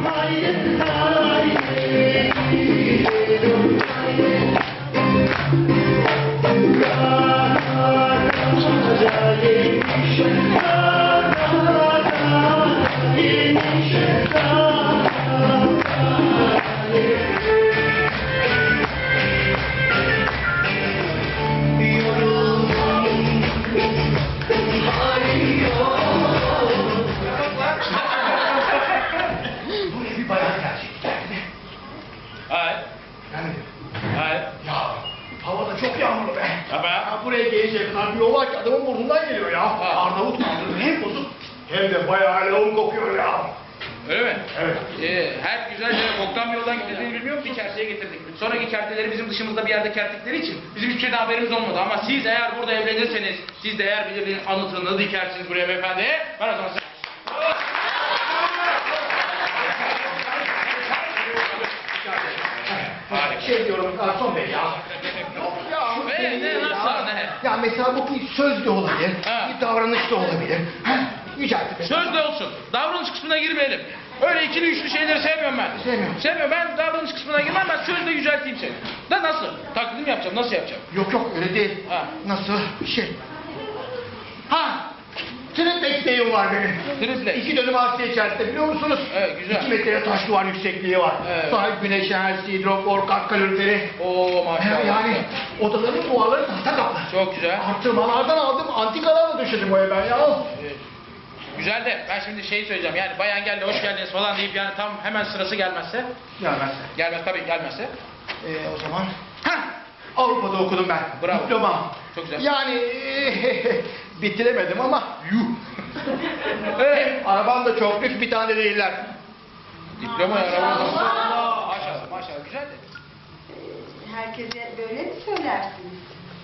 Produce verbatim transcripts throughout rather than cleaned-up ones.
Buraya gelecek kadar bir yol var ki adamın burnundan geliyor ya. Arnavut kaldırdı, hem bozuk hem de bayağı lağım kokuyor ya. Öyle mi? Evet. Ee, her güzel yere boktan bir yoldan gittiğini bilmiyor musun? Bir kerteye getirdik. Sonraki kerteleri bizim dışımızda bir yerde kerttikleri için bizim hiçbir şeyden haberimiz olmadı. Ama siz eğer burada evlenirseniz, siz de eğer birinin anıtını dikersiniz buraya beyefendi, ben o zaman size... Şey diyorum garson bey ya. Yok ya. Ee, ne, nasıl, ne? Ya mesela bu bir söz de olabilir, Ha. bir davranış da olabilir. Ha, yüceltti. Söz de olsun. Davranış kısmına girmeyelim. Öyle ikili üçlü şeyleri sevmiyorum ben. Sevmiyorum. Sevmiyorum. Ben davranış kısmına girmem, ben sözle yücelteyim seni. Da nasıl? Taklidim yapacağım, nasıl yapacağım? Yok yok öyle değil. Ha. Nasıl? Şey. Ha! Triplex deyim var benim. Triplex. İki dönüm arsa içerisinde biliyor musunuz? Evet, güzel. İki metre taş duvar yüksekliği var. Evet. Sahip güneş enerjisi, hidrofor, kat kaloriferi. Oo maşallah. Yani odaların duvarları tahta kaplı. Çok güzel. Artırmalardan aldım, antikalarla döşedim o ev ben ya. Evet. Güzel de ben şimdi şey söyleyeceğim. Yani bayan geldi, hoş geldiniz falan deyip yani tam hemen sırası gelmezse. Gelmezse. Gelmez tabii gelmezse. Ee, o zaman... Heh! Avrupa'da okudum ben. Bravo. Diploma. Çok güzel. Yani bitiremedim ama yuh. Evet, arabam da çok lüks, bir tane değiller. Diploma arabamda. Maşallah maşallah güzel de. Herkese böyle mi söylersiniz?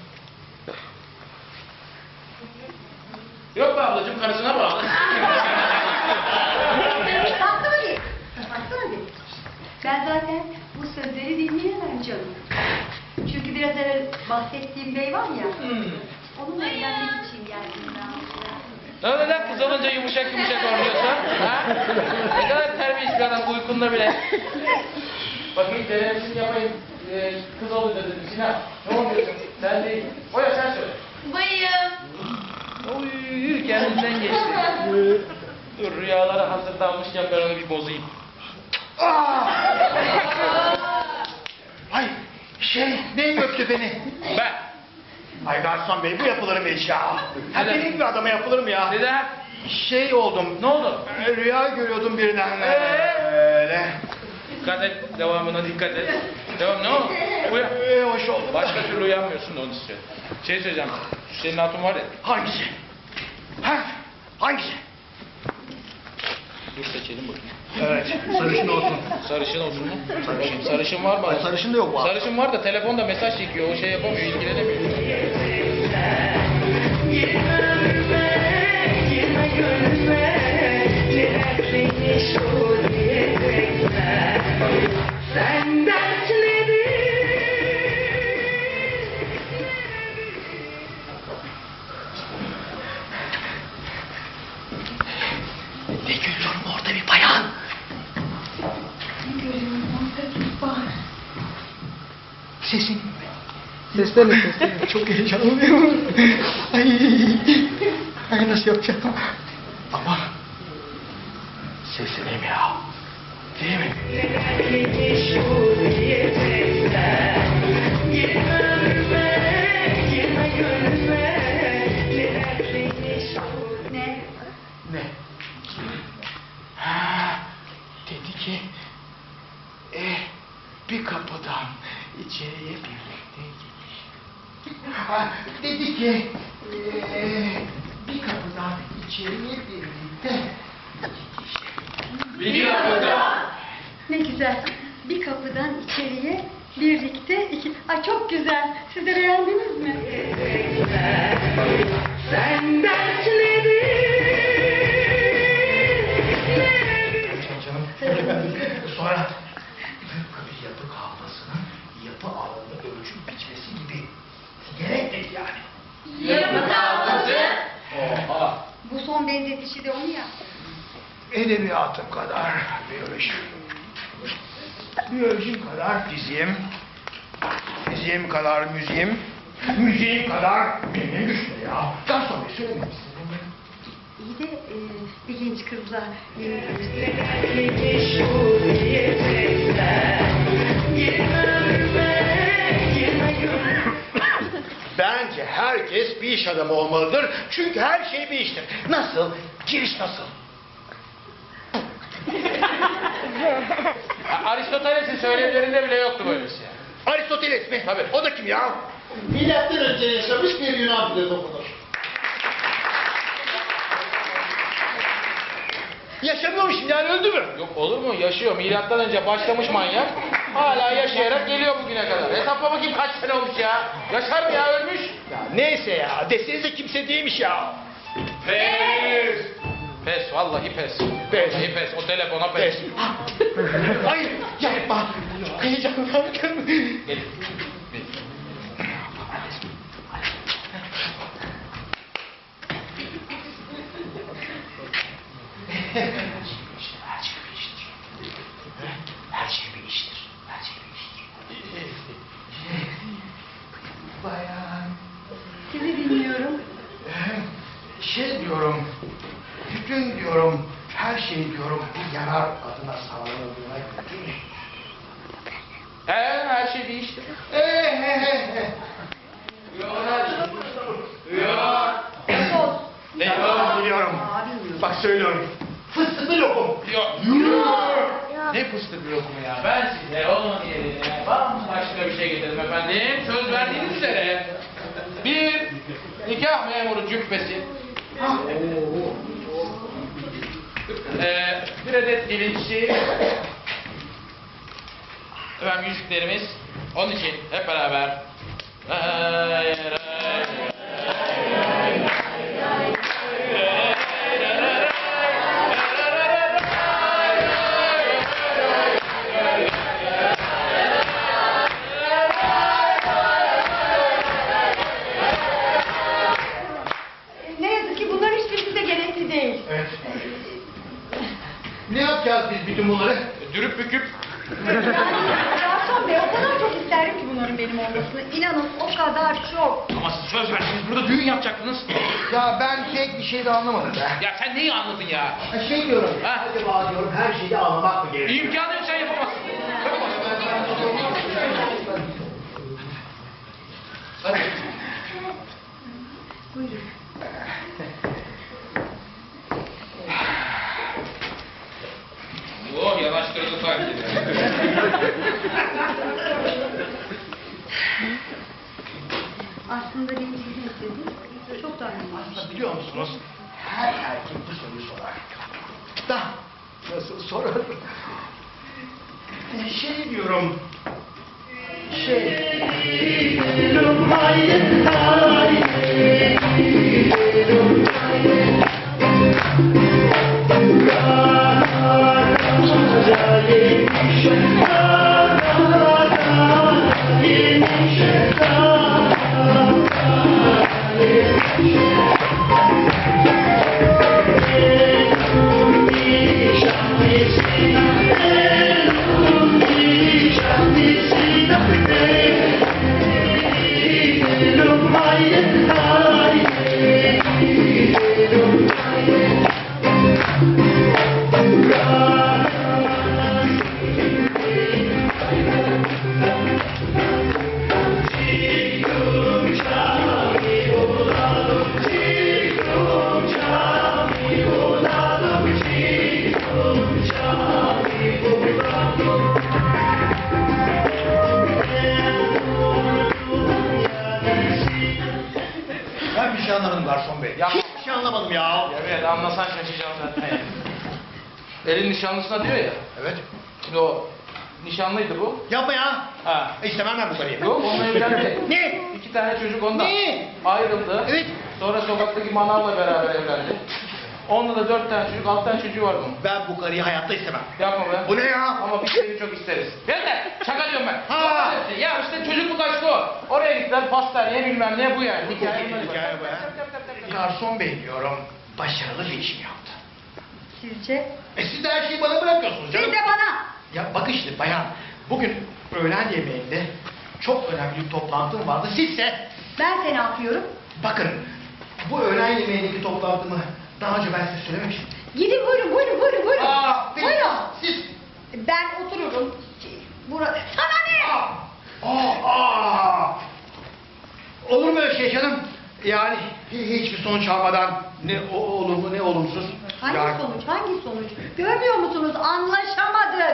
Yok be ablacığım karısına bağlı. Baksana bir. Baksana bir. Ben zaten bu sözleri dinleyemem canım. Çünkü biraz evvel bahsettiğim bey var ya. Hmm. Onunla evlenmek için geldim ben. Ne neden kız olunca yumuşak yumuşak oynuyorsa? Ha? Ne kadar terbiyesiz bir adam uykunda bile. Bakayım denemesini yapayım. Ee, kız olunca dedim Sinan. Ne oluyorsun? Sen değil. Oya sen söyle. Bayım. Oy kendinden geçti. Dur rüyalara hazırlanmışken ben onu bir bozayım. Ay şey, ne öptü beni? Ben. Ay garson bey, bu yapılır mı hiç ya? Ha, Neden? benim gibi adama yapılır mı ya? Neden? Şey oldum. Ne oldu? e, Rüya görüyordum birden. Ee? Öyle. Dikkat et. Devamına dikkat et. Devam ne oldu? Uyan. Ee, hoş oldu. Başka türlü uyanmıyorsun da onu istiyorum. Şey söyleyeceğim. Senin hatun var ya. Hangisi? Ha? Hangisi? Dur seçelim bakayım. Evet, sarışın olsun. Sarışın olsun mu? Sarışın. Sarışın var mı? Ay, sarışın da yok bu. Sarışın var da telefonda mesaj çekiyor. O şey yapamıyor, ilgilenemiyor. Ne görüyorum orada bir bayan? Ne görüyorum orada bir var. Sesin. Seslene seslene. Çok heyecanlıyım. Ay, ay nasıl yapacağım? Ama sesleneyim ya. Değil mi? Ne? Ne? Ha, dedi ki e, bir kapıdan içeriye birlikte giriş. Ha, dedi ki e, bir kapıdan içeriye birlikte gidiş. Bir kapıda. Ne güzel. Bir kapıdan içeriye birlikte iki... Ay çok güzel. Siz de beğendiniz mi? Sen dertleri canım. Sonra tıpkı bir yapı kavgasının yapı alanını ölçüp biçmesi gibi. Gerek değil yani. Yapı kavgası. Oha. Bu son benzetişi de onu ya. edebiyatım kadar biyolojim. Biyolojim kadar fiziğim. Fiziğim kadar müziğim. Müziğim kadar benim güçlü ya. Daha sonra söylememişsin. İyi de e, bir genç kızla e, Bence herkes bir iş adamı olmalıdır. Çünkü her şey bir iştir. Nasıl? Giriş nasıl? Aristoteles'in söylemlerinde bile yoktu böylesi. Aristoteles mi? Tabii. O da kim ya? Milattan önce yaşamış bir Yunan filozofudur. Yaşamıyormuş yani öldü mü? Yok olur mu? Yaşıyor. Milattan önce başlamış manyak. Hala yaşayarak geliyor bugüne kadar. Hesapla bakayım kaç sene olmuş ya. Yaşar mı ya ölmüş? Ya neyse ya. Desenize kimse değilmiş ya. Pes. Pes. Vallahi pes. Pes. Vallahi pes. O telefona pes. Pes. Hayır yapma. Heyecanlandım. Gelin. Her şey bir iştir. Her şey bir iştir. Her şey bir iştir. Bayan. sizi dinliyorum. Şey diyorum. Bütün diyorum. Her şey diyorum. Bir yarar adına sağlanıldığına göre. He, her şey bir iştir. He he he he. Yok. Defol. Ne Tamam biliyorum. Aa, bilmiyorum. Bak söylüyorum. Fıstıklı lokum. Yok. Ya, Ne fıstık bir lokumu ya. Ben size onun yerine bambaşka bir şey getirdim efendim. Söz verdiğiniz üzere. Bir nikah memuru cübbesi. Ee, bir adet dilinçli. Efendim yüzüklerimiz. Onun için hep beraber. Ray, ray. ne yazık ki bunların hiçbirisi de gerekli değil. Evet. Ne yapacağız biz bütün bunları? Dürüp büküp. Garson Bey, o kadar çok isterim ki bunların benim olmasını. İnanın o kadar çok. Ama siz söz verdiniz burada düğün yapacaktınız. Ya ben pek bir şey de anlamadım be. Ya sen neyi anladın ya? Ha, Şey diyorum. Ha? Acaba diyorum her şeyi anlamak mı gerekiyor? İmkanı yok sen yapamazsın. Hadi. Buyurun. Oh yanaştırdı sanki. Aslında benim sizin istediğim çok daha önemli. Aslında biliyor musunuz? Her erkek bu soruyu sorar. Da nasıl sorar? Ee, Şey diyorum. Şey. Ben bir şey anlamadım garson bey. Ya- Hiçbir şey anlamadım ya. Evet anlasan şaşacaksın zaten. Elin nişanlısına diyor ya. Evet. Şimdi o nişanlıydı bu. Yapma ya. Ha. E, İstemem ben bu karıyı. Yok onunla evlendi. Ne? İki tane çocuk ondan. Ne? Ayrıldı. Evet. Sonra sokaktaki manavla beraber evlendi. Onunla da dört tane çocuk, altı tane çocuğu var bunun. Ben bu karıyı hayatta istemem. Yapma be. Bu ne ya? Ama biz seni çok isteriz. Ben de şaka diyorum ben. Ha. Ya işte çocukluk aşkı o. Oraya gittiler pastaneye bilmem ne bu yani. Hikaye, Hikaye bu ya. Garson bey diyorum. Başarılı bir iş mi yaptı? Sizce? E siz de her şeyi bana bırakıyorsunuz canım. Siz de bana. Ya bak işte bayan, bugün öğlen yemeğinde çok önemli bir toplantım vardı. Sizse, Ben seni ne yapıyorum? bakın bu öğlen yemeğindeki toplantımı daha önce ben size söylememiştim. Gidin buyurun buyurun buyurun buyurun. Aa, peki, buyurun. siz... Ben otururum. Burada. Sana ne? Aa, aa, aa. Olur mu öyle şey canım? Yani hi- hiçbir sonuç almadan ne o olumlu ne olumsuz. Hangi Yani- sonuç? Hangi sonuç? Görmüyor musunuz? Anlaşamadık.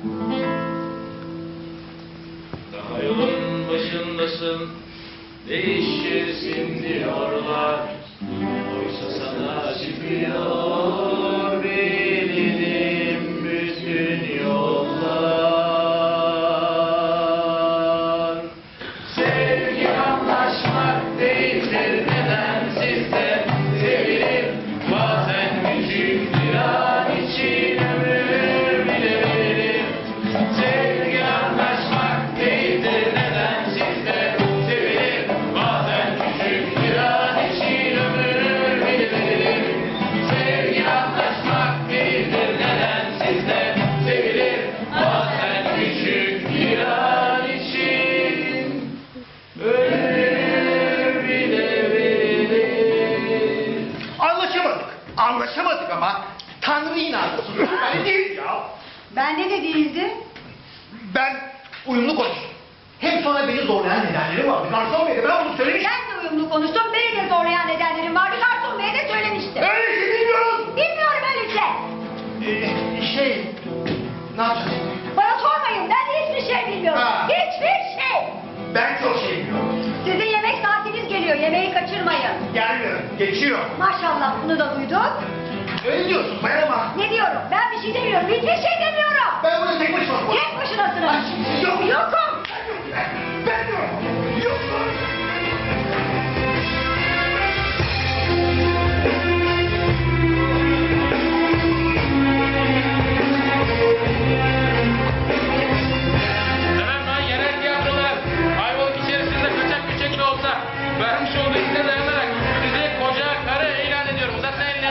Daha yolun başındasın, değişirsin diyorlar. Oysa sana çıkıyor bildiğim bütün yollar. Sevgi anlaşmak değildir, neden sizde sevilir? Bazen küçük bir an için ömür bile veririm. Sevgi anlaşmak değildir, neden sizde sevilir? Bazen küçük bir an için ömür bile veririm. Sevgi anlaşmak değildir, neden sizde sevilir? Bazen küçük bir an için ömür bile verilir. Anlaşamadık. Anlaşamadık ama Tanrı inansın. Ben değil ya. Bende de değildi. Ben uyumlu konuştum. Hem sonra beni zorlayan nedenleri vardı. Garson Bey'e ben bunu söylemiştim. Ben de uyumlu konuştum. Beni de zorlayan nedenlerim vardı. Garson Bey'e de söylemiştim. Öyle şey bilmiyorum. Bilmiyorum öyleyse. Ee, şey, ne yapacağız? Bana sormayın. Ben de hiçbir şey bilmiyorum. Ha. Hiçbir şey. Ben çok şey bilmiyorum. Sizin yemek saatiniz geliyor. Yemeği kaçırmayın. Gelmiyor, geçiyor. Maşallah bunu da duyduk. Öyle diyorsun bayan ama Ne diyorum? Ben bir şey demiyorum. Hiçbir şey demiyorum. ben bunu tek başıma konuşuyorum. Tek başınasınız. Yok. Yokum. Ben diyorum. Yokum. Efendim ben yerel tiyatrolar Ayvalık içerisinde kaçak göçek de olsa vermiş olduğu izne dayanarak sizi koca karı ilan ediyorum. Uzatma elini.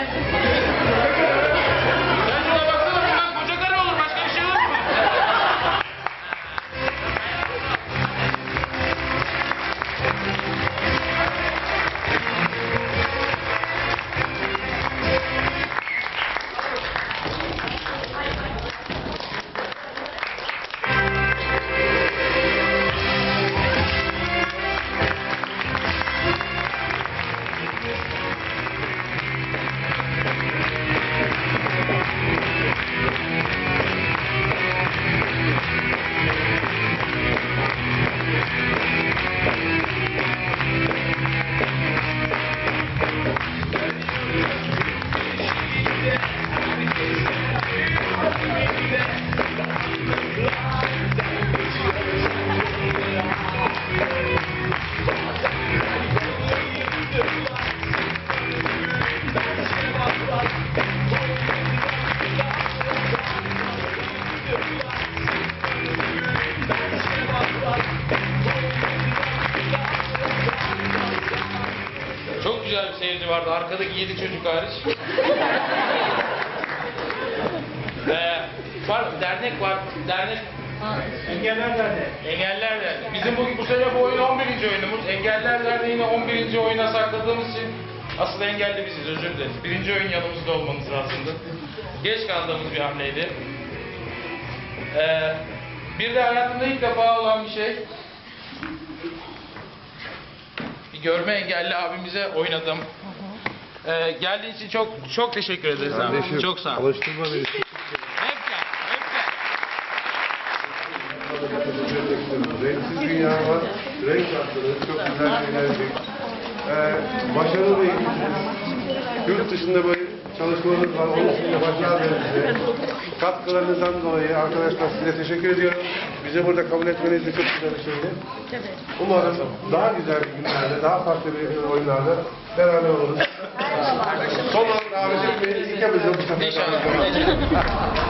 Sen şuna baksana bundan koca karı olur. Başka bir şey olur mu? Çok güzel bir seyirci vardı. Arkadaki yedi çocuk hariç. ee, var, dernek var. Dernek. Engeller Derneği. Engeller Derneği. Bizim bu, bu sene bu oyun on birinci oyunumuz. Engeller Derneği'ni on birinci oyuna sakladığımız için asıl engelli biziz, özür dileriz. Birinci oyun yanımızda olmamız lazımdı. Geç kaldığımız bir hamleydi. Ee, bir de hayatımda ilk defa olan bir şey. Bir görme engelli abimize oynadım. Ee, geldiğin için çok çok teşekkür ederiz. abi. Kardeşim, Çok sağ ol. alıştırma beni. Hep gel, hep gel. Renksiz dünya var, renk attınız, çok güzel bir enerji. Ee, başarılı bir ekibiniz. Yurt dışında böyle çalışmalarınız var, onun için de başarılar dilerim size. Katkılarınızdan dolayı arkadaşlar size teşekkür ediyorum. Bizi burada kabul etmeniz de çok güzel bir şeydi. Umarım daha güzel günlerde, daha farklı bir oyunlarda beraber oluruz. Son olarak davet etmeyi ilk yapacağım bu sefer. İnşallah.